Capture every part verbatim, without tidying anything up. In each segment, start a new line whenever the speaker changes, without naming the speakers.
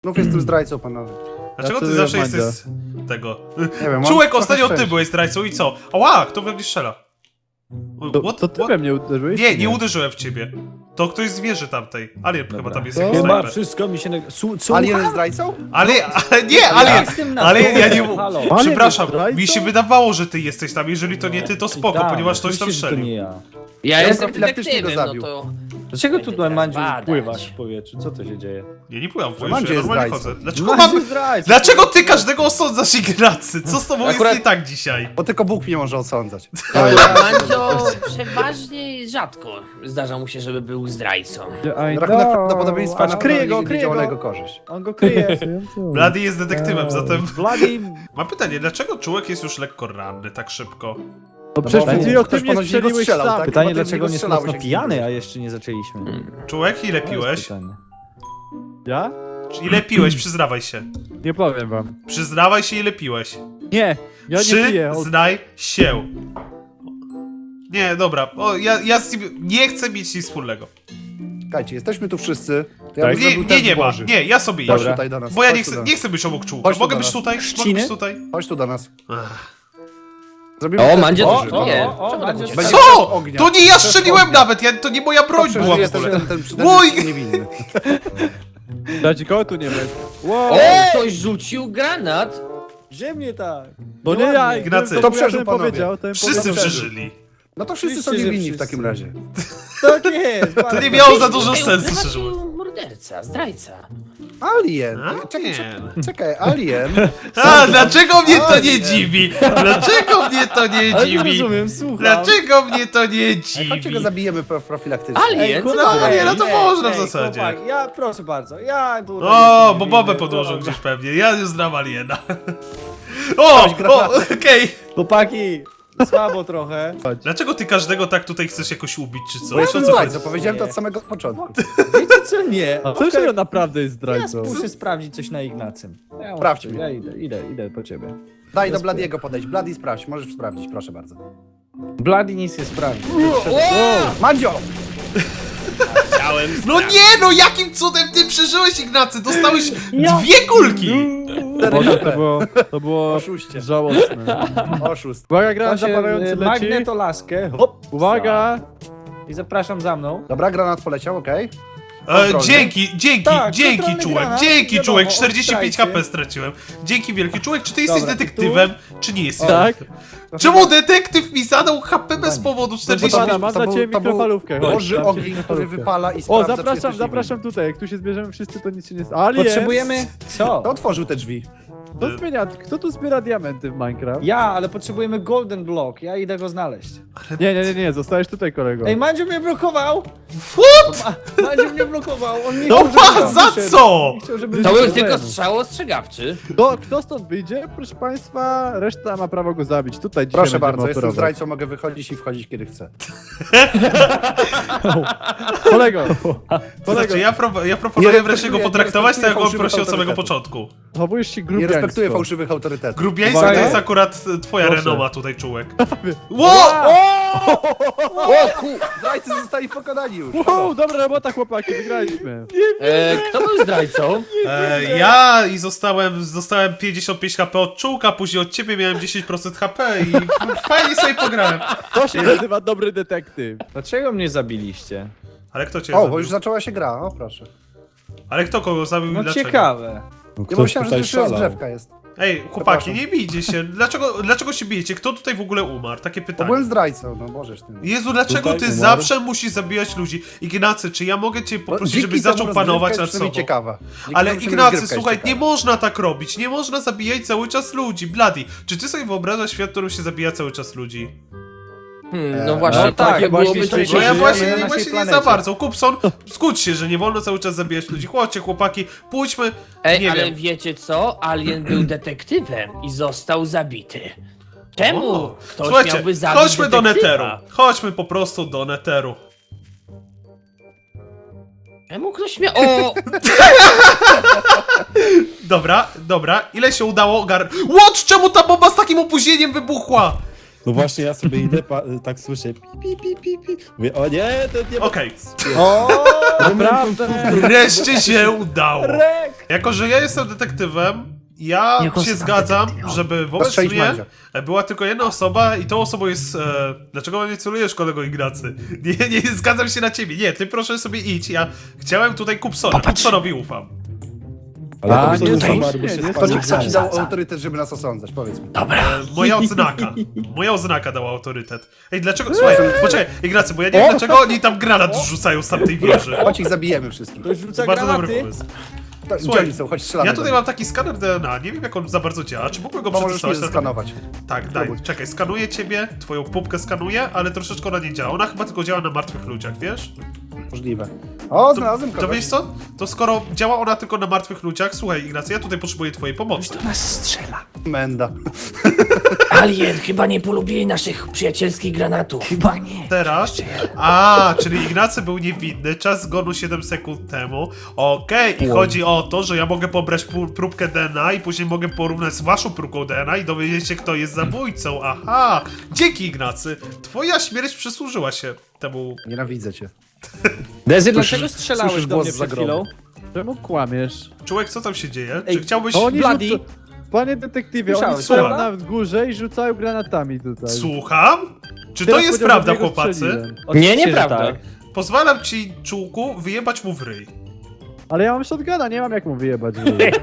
Znów jestem zdrajcą, panowie.
Dlaczego ty
Ja
zawsze
Mandzia.
jesteś tego?
Nie wiem, mam
Czułek,
trochę
ostatnio ty
szczęścia.
byłeś zdrajcą i co? Ała, kto we mnie strzela?
To,
What?
to ty
What?
we mnie uderzyłeś?
Nie,
czy
nie uderzyłem w ciebie. To ktoś z wieży tamtej. Alien chyba tam jest
To-
jakiś
Chyba
snajper.
wszystko mi się... nag- Su- Słucham?
Alien jest zdrajcą?
Ale, ale nie,
Ja
Alien!
jestem na
Ale ja
dole,
nie...
halo.
Alien
Przepraszam,
jest zdrajcą?
mi się wydawało, że ty jesteś tam. Jeżeli to nie ty, to spoko,
Tak,
ponieważ ktoś tam
oczywiście, że to nie
strzelił.
ja.
Ja
Ja
jestem
profilaktycznie go
detektywem, no
zabił.
to...
Dlaczego tu
Będę
tutaj,
teraz
Mandziu,
badać.
pływasz w powietrzu? Co to się dzieje?
Nie, nie pływam w
Mandzio
wojsku, ja
jest
normalnie
zdrajcą.
chodzę. Dlaczego
Mandziu
mam...
zdrajca.
Dlaczego ty każdego osądzasz, Ignacy? Co z tobą
Akurat-
jest nie tak dzisiaj?
Bo tylko Bóg mnie może osądzać.
Mandzio przeważnie rzadko zdarza mu się, żeby był zdrajcą.
I
Rachunek
know.
prawdopodobieństwa
Patrz,
na
kryje go,
nie
kryje
działa na
go.
jego korzyść.
On go kryje.
Blady jest detektywem, zatem...
Bloody...
Mam pytanie, dlaczego Czułek jest już lekko ranny tak szybko?
No przecież
bo
przed chwilą
ktoś
ty mnie
ponoć w niego
strzeliłeś
strzelał,
sam.
tak?
Pytanie,
Chyba ty w
dlaczego
niego
nie jest
strzelałeś,
mocno
jak
pijany,
zginąłeś.
a jeszcze nie zaczęliśmy.
Czułek, ile
To jest
piłeś?
pytanie.
Ja?
Ile piłeś? Przyznawaj się.
Nie powiem wam.
Przyznawaj się, ile piłeś.
Nie, ja nie piję. O,
Przyznaj się. Nie, dobra, o, ja, ja z nim nie chcę mieć nic wspólnego.
Czekajcie, jesteśmy tu wszyscy. To ja
Tak.
bym
Nie,
zrobił
nie,
test
nie ma,
Boży.
nie, ja sobie
Chodź
idę.
tutaj do nas.
Bo ja
chodź
nie
tu
chcę,
do
nie
nas.
chcę być obok Czułka.
Chodź tu
Mogę
do
być
nas.
tutaj? Mogę
Trzciny?
być tutaj?
Chodź tu do nas.
Ach.
Zrobimy
O,
test
Mandzio,
Boży.
to nie.
o, o,
Czemu tak
Mandzio,
uciekasz?
Będzie test
Co?
ognia.
To nie ja
Test
strzeliłem
ognia.
nawet, ja, to nie moja broń
To
była w
przeżyje
ogóle.
ten, ten, ten, ten
Mój!
jest niewinny.
dać kogo tu nie będzie. Wow.
O, ktoś rzucił granat!
Ziemnie tak.
No nie ja,
Ignacy.
gdybym
To
ja
przeżył,
ten
panowie.
powiedział, ten
Wszyscy
powiedział.
przeżyli.
No to wszyscy są
Oczywiście, że
niewinni w
wszyscy.
takim razie.
Tak jest.
To
bardzo.
nie miało za dużo
Ej,
sensu,
ukrywa
szczerze
się
mówiąc.
morderca, zdrajca.
Alien.
Alien.
Czekaj, czekaj, czekaj, Alien.
A, dlaczego mnie to nie
Alien.
dziwi? Dlaczego mnie to nie
Ale nie
dziwi?
rozumiem, słucham.
Dlaczego mnie to nie
Ej, chodźcie go
dziwi?
zabijemy pro- profilaktycznie.
Alien?
Ej,
Co
chłopaki,
to
nie, no to
ej,
można w
ej,
zasadzie.
chłopak, ja, proszę bardzo, ja tutaj
O,
jestem
bo
niewinny,
bobę podłożył
dobra.
gdzieś pewnie. Ja już znam Aliena. O, o, okej.
Chłopaki, słabo trochę.
Dlaczego ty każdego tak tutaj chcesz jakoś ubić, czy co?
Bo jestem
Co, co?
zdrajcą, powiedziałem to od samego początku.
Wiecie co, nie.
A co, że on naprawdę jest
Ja
zdrajcą?
muszę sprawdzić coś na Ignacym. Ja
Sprawdź
muszę-
mnie.
Ja idę, idę, idę po ciebie.
Daj do Bladiego podejść. Bladi sprawdź, możesz sprawdzić, proszę bardzo.
Bloody nic nie sprawdzi.
Mandzio!
No nie, no jakim cudem ty przeżyłeś, Ignacy? Dostałeś dwie kulki!
Boże, to było, to było
Oszuście.
żałosne.
Oszust.
Uwaga, granat
Właśnie,
zapalający
y,
leci.
magnetolaskę. Hop.
Uwaga!
I zapraszam za mną.
Dobra, granat poleciał, okej.
E,
Kontrolny.
dzięki, dzięki,
Tak,
dzięki
kontrolny
Czułek,
granat,
dzięki
wiadomo,
Czułek,
od
czterdzieści pięć
zdrajcy.
H P straciłem. Dzięki wielki Czułek, czy ty jesteś
Dobra,
detektywem, czy nie jesteś?
Tak.
Czemu detektyw mi zadał H P bez powodu
Proszę
czterdzieści
pana,
pięć?
mam
to
dla
był-
ciebie
to był
mikrofalówkę. chodź,
Boży
dam ci
ogień, który
mikrofalówkę.
wypala i
O,
sprawdza, czy
zapraszam,
jesteś
zapraszam tutaj. Jak tu się zbierzemy wszyscy, to nic się nie stało. Alien!
Potrzebujemy... Co?
Kto otworzył te drzwi?
Kto, zmienia, kto tu zbiera diamenty w Minecraft?
Ja, ale potrzebujemy golden block. Ja idę go znaleźć.
Nie, nie, nie, nie, zostajesz tutaj, kolego.
Ej, Mandziu mnie blokował!
What?
Ma, Mandziu mnie blokował! On nie
No
chciał, żebym
pa,
tam
za
wyszedł.
co?
Nie chciał, żebym
To był
wyszedł.
tylko strzał ostrzegawczy.
Kto, kto stąd wyjdzie? Proszę państwa, reszta ma prawo go zabić. Tutaj dzisiaj
Proszę
będziemy
bardzo, jestem
operować.
zdrajcą, mogę wychodzić i wchodzić kiedy chcę.
Kolego,
To znaczy,
kolego,
ja, pro, ja proponuję
Nie
wreszcie go
respektuję-
potraktować
nie
tak, jak on
respektuję
prosił od samego
fałszywych
początku.
chowujesz się
Nie
grubiańsko.
respektuję fałszywych autorytetów.
Grubiańska
Uwaga.
to jest akurat e, twoja
Proszę.
renoma tutaj, Czułek. Ło!
O ku...
Zdrajcy zostali pokonani już.
Wow, dobra robota, chłopaki, wygraliśmy.
E, kto był zdrajcą?
E, ja i zostałem, zostałem pięćdziesiąt pięć H P od Czułka, później od ciebie miałem dziesięć procent H P i fajnie sobie pograłem.
To się nazywa dobry detektyw.
Dlaczego mnie zabiliście?
Ale kto cię
O, bo
zabił?
już zaczęła się gra, o proszę.
Ale kto kogo zabił i
No
dlaczego?
ciekawe.
Ja myślałem, że to już rozgrzewka jest.
Ej, chłopaki,
Przepraszam.
nie bijcie się. Dlaczego, dlaczego się bijecie? Kto tutaj w ogóle umarł? Takie
Bo
pytanie.
byłem zdrajcą, no możesz ty.
Jezu, dlaczego
Tutaj
ty
umarł.
zawsze musisz zabijać ludzi? Ignacy, czy ja mogę cię
Bo
poprosić,
dzięki
żebyś
temu
zaczął
rozgrywka
panować
jest
nad
przynajmniej
sobą?
ciekawa. Dzięki
Ale
temu przynajmniej
Ignacy,
rozgrywka jest
słuchaj, nie
ciekawa.
można tak robić. Nie można zabijać cały czas ludzi. Bloody, czy ty sobie wyobrażasz świat, w którym się zabija cały czas ludzi?
Hmm, no
E,
właśnie,
no tak,
takie
właśnie
byłoby
dzisiaj
to
No ja
żyjemy
właśnie,
na naszej
właśnie nie
planecie.
za bardzo. Kupson, skudź się, że nie wolno cały czas zabijać ludzi. Chodźcie, chłopaki, pójdźmy.
Ej,
nie
ale
wiem.
wiecie co? Alien był detektywem i został zabity. Czemu
O,
ktoś
Słuchajcie,
miałby zabić
chodźmy do
detektywa?
Netheru. Chodźmy po prostu do Netheru.
Czemu ktoś miał... O!
Dobra, dobra, ile się udało ogar... What? Czemu ta bomba z takim opóźnieniem wybuchła?
No właśnie, ja sobie idę, pa, tak słyszę pi, pi, pi, pi, pi. Mówię, o nie, to nie ma...
Okej,
O,
Naprawdę!
wreszcie się udało.
Rek!
Jako, że ja jestem detektywem, ja
Niech
się
ostatni
zgadzam,
detektyw.
żeby wobec
Postrzelić
mnie
Mandzia.
była tylko jedna osoba i tą osobą jest... E, dlaczego nie celujesz, kolego Ignacy? Nie, nie zgadzam się na ciebie. Nie, ty proszę sobie idź. Ja chciałem tutaj Kupsona. Kupsonowi ufam.
Ale
A,
to
nie,
jest
to
Samar,
nie,
bo się
nie,
To
spadł.
ci, kto ci
Za-
dał
za-
autorytet, żeby nas osądzać? Powiedz mi.
Dobra.
E, moja odznaka. Moja oznaka dała autorytet. Ej, dlaczego... Słuchaj, poczekaj, Ignacy, bo ja nie wiem, dlaczego oni tam granat rzucają z tamtej wieży.
Chodź ich zabijemy wszystkich.
To rzuca
Bardzo dobry
granaty.
pomysł.
To, gdzie
Słuchaj,
oni są? Chodź, strzelamy
Ja
do
tutaj
nich.
mam taki skaner D N A, nie wiem jak on za bardzo działa. Czy mógłbym go
Bo możesz mnie
przetestować? na-
zeskanować.
Tak, daj,
Spróbuj.
czekaj, skanuję ciebie, twoją pupkę skanuję, ale troszeczkę ona nie działa. Ona chyba tylko działa na martwych ludziach, wiesz?
Możliwe. O,
To,
znalazłem
to
kogoś.
wiesz co? To skoro działa ona tylko na martwych ludziach, słuchaj Ignacy, ja tutaj potrzebuję twojej pomocy.
Nas strzela.
Menda.
Alien, chyba nie polubili naszych przyjacielskich granatów. Chyba nie.
Teraz? A, czyli Ignacy był niewinny, czas zgonu siedem sekund temu. Okej, i chodzi o to, że ja mogę pobrać pu- próbkę D N A i później mogę porównać z waszą próbką D N A i dowiedzieć się, kto jest zabójcą. Aha! Dzięki Ignacy! Twoja śmierć przysłużyła się temu.
Nienawidzę cię.
Dezy,
Słyszysz-
dlaczego strzelałeś
słyszysz
do
głos
mnie
z
przed
zagrobu.
chwilą?
Czemu kłamiesz?
Człowiek, co tam się dzieje?
Ej,
Czy chciałbyś...
To oni
Bloody.
rzuca... Panie detektywie, oni
Słyszałeś,
stoją
prawda?
na górze i rzucają granatami tutaj.
Słucham? Czy to
Teraz
jest
powiedział, że
prawda,
w niego
chłopacy?
strzeliłem.
Oczywiście,
Nie,
że
nieprawda.
tak.
Pozwalam ci, czułku, wyjebać mu w ryj.
Ale ja mam shotguna, nie mam jak mu wyjebać.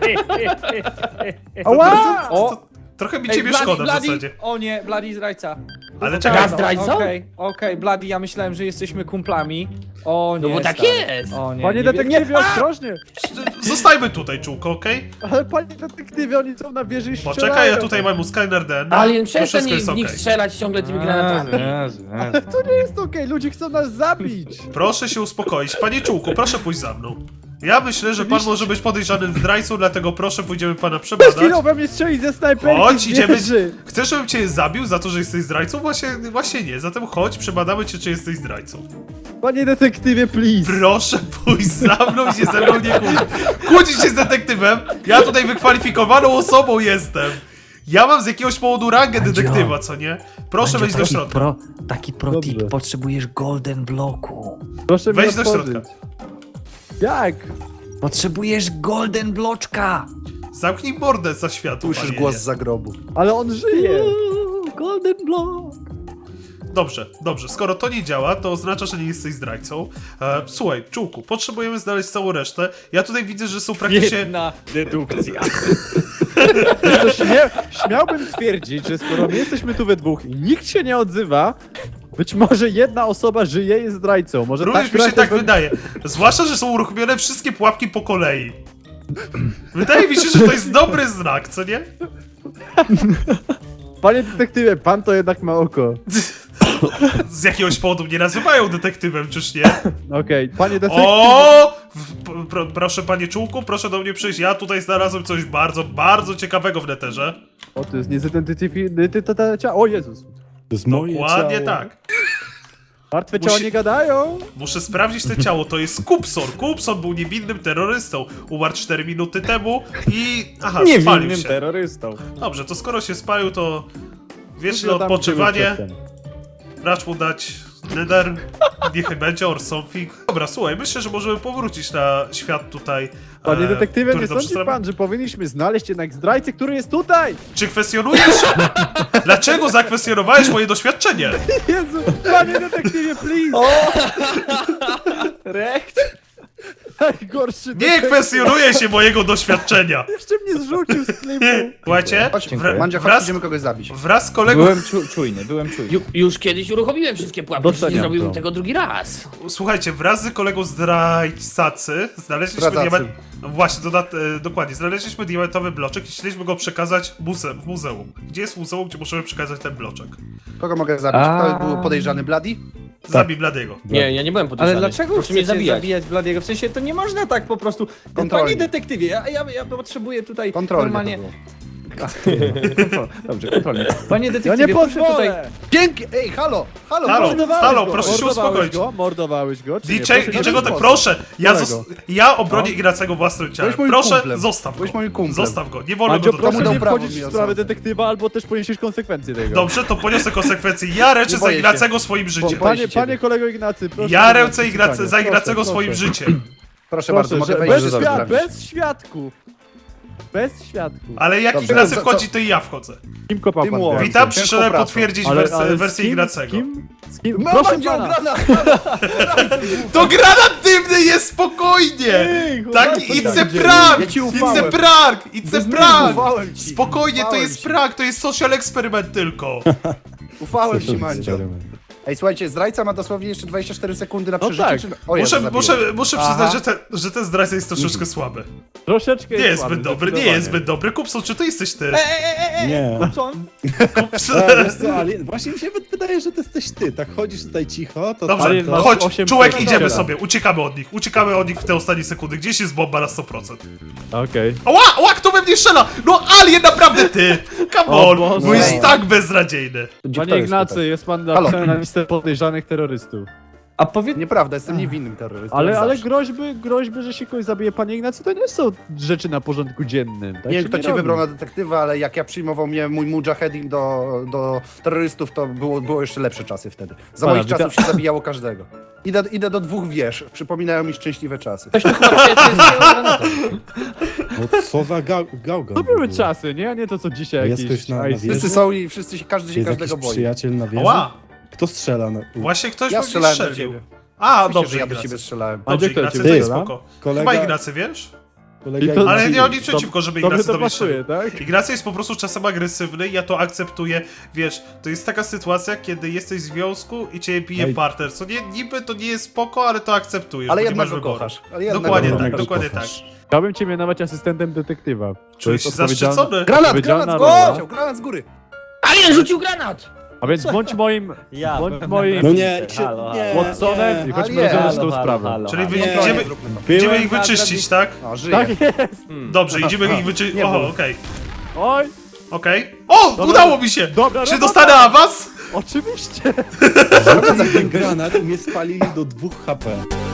Ała!
O!
Trochę mi
Ej,
ciebie
Bloody,
szkoda w
Bloody!
zasadzie.
O nie, Bloody zdrajca.
Ale czekaj,
Ja zdrajcą?
Okej, okej, Bloody, ja myślałem, że jesteśmy kumplami. O nie,
No bo tak
stary.
jest.
O nie,
Panie
nie, wie-
detektywie, ostrożnie!
zostajmy tutaj, czułko, okej?
Ale panie detektywie, oni są na wieży i strzelają.
Poczekaj, ja tutaj mam mu scanner D N A.
Alien,
to
przestań
wszystko jest
w nich
okej.
strzelać ciągle tymi granatami.
Ale to nie jest okej, ludzie chcą nas zabić!
Proszę się uspokoić. Panie Czułku, proszę pójść za mną. Ja myślę, że pan może być podejrzanym zdrajcą, dlatego proszę, pójdziemy pana
Przed chwilą
przebadać.
we mnie strzeli ze snajperki
Chodź,
z
idziemy.
wieży.
Chcesz, żebym cię zabił za to, że jesteś zdrajcą? Właśnie, właśnie nie. Zatem chodź, przebadamy cię, czy jesteś zdrajcą.
Panie detektywie, please!
Proszę pójść za mną i się ze mną nie kłócić. Kłócić się z detektywem? Ja tutaj wykwalifikowaną osobą jestem. Ja mam z jakiegoś powodu rangę
Mandzio.
detektywa, co nie? Proszę wejść do
taki
środka.
Pro, taki pro
Dobrze.
tip, potrzebujesz golden bloku.
Proszę
Wejdź
mnie
do
otworzyć.
środka.
Jak?
Potrzebujesz golden bloczka.
Zamknij mordę za światło,
Słyszysz
panie.
głos z zagrobu.
Ale on żyje!
Uuu, golden block.
Dobrze, dobrze. Skoro to nie działa, to oznacza, że nie jesteś zdrajcą. E, słuchaj, Czułku, potrzebujemy znaleźć całą resztę. Ja tutaj widzę, że są praktycznie...
Jedna dedukcja.
Wiesz co, śmia śmiałbym twierdzić, że skoro my jesteśmy tu we dwóch i nikt się nie odzywa, być może jedna osoba żyje i jest zdrajcą. Może
Również
tak
mi się
trochę
tak
we-
wydaje. Zwłaszcza, że są uruchomione wszystkie pułapki po kolei. Wydaje mi się, że to jest dobry znak, co nie?
Panie detektywie, pan to jednak ma oko.
Z jakiegoś powodu mnie nazywają detektywem, czyż nie?
Okej, panie detektywie.
O! W- p- pro, proszę, panie Czułku, proszę do mnie przyjść. Ja tutaj znalazłem coś bardzo, bardzo ciekawego w neterze.
O, to jest niezidentyfikowane ciało. O Jezus.
To jest moje
Dokładnie
ciało.
tak.
Martwe ciała
Musi-
nie gadają.
Muszę sprawdzić to ciało. To jest Kupson. Kupson był niewinnym terrorystą. Umarł cztery minuty temu i... Aha, spalił
Niewinnym
się.
terrorystą.
Dobrze, to skoro się spalił, to wieczne
Zgadam
odpoczywanie.
ciebie przedtem.
Racz mu dać nether, niech będzie, or something. Dobra, słuchaj, myślę, że możemy powrócić na świat tutaj.
Panie
e,
detektywie,
który
nie
dobrze
sądzi
znam.
pan, że powinniśmy znaleźć jednak zdrajcę, który jest tutaj?
Czy kwestionujesz? Dlaczego zakwestionowałeś moje doświadczenie?
Jezu, panie detektywie, please!
Rekt?
Najgorszy
Nie
detektyw.
kwestionuje się mojego doświadczenia.
Jeszcze mnie zrzucił z klipu.
Słuchajcie,
Chodź,
wra-
Mandzia, chodź,
wraz,
idziemy kogoś zabić.
wraz z kolegą...
Byłem czu czujny, byłem czujny.
Ju, już kiedyś uruchomiłem wszystkie pułapki, przecież nie
Doceniam
zrobiłbym
to.
tego drugi raz.
Słuchajcie, wraz z kolegą zdrajcacy znaleźliśmy
Zdradzacy.
diament... No właśnie, dodat... e, dokładnie, znaleźliśmy diamentowy bloczek i chcieliśmy go przekazać muze... w muzeum. Gdzie jest muzeum, gdzie możemy przekazać ten bloczek?
Kogo mogę zabić? Kto był podejrzany? Bloody?
Zabij Bladiego.
Nie, ja nie byłem podejrzany.
Ale dlaczego
Proszę mnie
chcecie
zabijać?
zabijać Bladiego? W sensie to nie można tak po prostu.
Kontrolnie.
Panie detektywie, ja, ja, ja potrzebuję tutaj
Kontrolnie
normalnie.
to było.
Dobrze, kontrolnie. Panie
Ja
detektywie,
nie
proszę tutaj...
pozwolę!
Dzięki! Ej, halo! Halo!
Halo,
Mordowałeś
halo,
go,
proszę się
mordowałeś
uspokoić.
Go, mordowałeś go, czy nie?
D J,
Proszę nie
dlaczego
robić
tak?
poza.
Proszę, ja,
Którego?
zos ja obronię
No.
Ignacego własnym ciałem.
Byłeś moim
Proszę,
kumplem.
zostaw go.
Byłeś moim kumplem.
Zostaw go, nie wolno
Mandzio,
go
proszę
mu
dotknąć.
dał
nie
prawo
wchodzić
mi
w sprawę
osądzać.
detektywa, albo też poniesiesz konsekwencje tego.
Dobrze, to poniosę konsekwencje. Ja ręczę
Nie
za
boję się.
Ignacego swoim życiem.
boję
Panie,
się ciebie.
panie kolego Ignacy, proszę.
Ja
nie
ręczę
robić
Ignace,
pytania.
za Ignacego
Proszę,
swoim
proszę.
życiem.
Proszę bardzo,
Proszę,
mogę
że
wejść
bez,
rzeczy
świad
sprawdzić.
bez świadków. Bez świadków.
Ale jak
Dobrze,
Ignacy
co-
wchodzi, to i ja wchodzę.
Kim kopał pan
Teamwork.
teraz?
Witam,
Ciężką
przyszedłem
pracą.
potwierdzić
Ale-
wersję,
ale z
wersję
kim-
Ignacego.
Z kim? Z kim?
No,
Proszę
będzie
pana.
ograna!
To granat dymny jest, spokojnie!
Ej,
Tak,
chłopaki,
it's
tak
a
dzieje.
prank!
Ja ci
It's
ufałem.
a prank! It's a prank!
Ufałem ci.
Spokojnie, to
Ufałem
jest
ci.
prank, to jest social eksperyment tylko.
Ufałem
Co
ci,
to
Mandzio.
eksperyment?
Ej, słuchajcie, zdrajca ma dosłownie jeszcze dwadzieścia cztery sekundy na
No
przeżycie.
tak.
Czy... O, Jezu,
Muszę,
zabiłem.
muszę, muszę
Aha.
przyznać, że ten, że ten zdrajca jest troszeczkę słaby.
Troszeczkę
Nie jest
słaby,
zbyt dobry, nie
zdecydowanie.
jest zbyt dobry. Kupson, czy to jesteś ty?
Nie.
Co on?
A, wiesz co, ale właśnie mi się wydaje, że to jesteś ty. Tak chodzisz tutaj cicho, to...
Dobrze,
Ale masz
chodź,
osiem
czułek,
sekund.
idziemy
Dobra.
sobie, uciekamy od nich, uciekamy od nich w te ostatnie sekundy. Gdzieś jest bomba na sto procent.
Okej.
Ała, ała, kto we mnie strzela? No Alien, naprawdę ty! Come
O
on,
Boże.
bo jest
Ej.
tak beznadziejny.
Gdzie kto
Panie
jest
Ignacy,
tutaj?
jest pan
Halo.
napisany na listę podejrzanych terrorystów.
A powiedz...
Nieprawda, jestem niewinnym terrorystą.
Ale,
jak
ale
zawsze.
groźby, groźby, że się kogoś zabije, panie Ignacy, to nie są rzeczy na porządku dziennym. Tak
Nie wiem,
się
kto cię
robi.
wybrał na detektywa, ale jak ja przyjmował mnie mój mujahedin do, do terrorystów, to było, było jeszcze lepsze czasy wtedy. Za
Pana,
moich
witam-
czasów się zabijało każdego. Idę, idę do dwóch wież, przypominają mi szczęśliwe czasy.
Ktoś tu chyba przyjacielskiego granatu.
No co za gał gałgan.
To
w
były
ogóle.
czasy, nie? A nie to co dzisiaj
Jest
jakieś
ktoś na- na
ISIS.
wieży?
Wszyscy są i wszyscy się, każdy się
Jest
każdego
jakiś
boi.
przyjaciel na wieży?
Ała,
Kto strzela na...
właśnie ktoś
Ja
we mnie
strzelałem do
strzelił.
ciebie.
A,
Oczywiście,
dobrze,
że ja do ciebie
Ignacy.
strzelałem.
A
Dobrze,
gdzie kto
Ignacy,
cię
to jest
strzela?
spoko.
Kolega...
Chyba Ignacy, wiesz?
Kolega
I to-
Ale nie
Ignacy-
mam nic przeciwko, żeby
Tobie
Ignacy
to
do mnie
pasuje,
strzelił.
tak?
Ignacy jest po prostu czasem agresywny, ja to akceptuję. Wiesz, to jest taka sytuacja, kiedy jesteś w związku i cię bije
Ej.
partner. Co nie, niby to nie jest spoko, ale to akceptujesz,
Ale
bo nie
jednak
masz
go
wyboru.
kochasz. Ale jednak
Dokładnie
go
tak,
kochasz.
dokładnie tak.
kochasz.
Chciałbym cię mianować asystentem detektywa. To
Czujesz się
jest odpowiedzialna-
zaszczycony.
Granat,
odpowiedzialna
granat z góry!
rola.
leciał, Granat z góry!
Alien rzucił granat!
A więc bądź moim,
Ja
bądź
byłem
moim
No nie, się,
Halo,
nie,
Watsonem i chodźmy
Ale
rozwiązać
nie.
tą
halo,
sprawę.
halo,
Czyli
halo.
wy,
Nie.
idziemy,
Byłem
idziemy ich
na
wyczyścić, tak?
O, żyje.
Tak jest!
Dobrze, idziemy ich wyczyścić.
Nie
Oho,
był.
okej.
Oj!
Okej. O, udało mi się!
Dobra
Czy
robota!
dostanę awans?
Oczywiście!
Rzucili ten granat i mnie spalili do dwóch H P.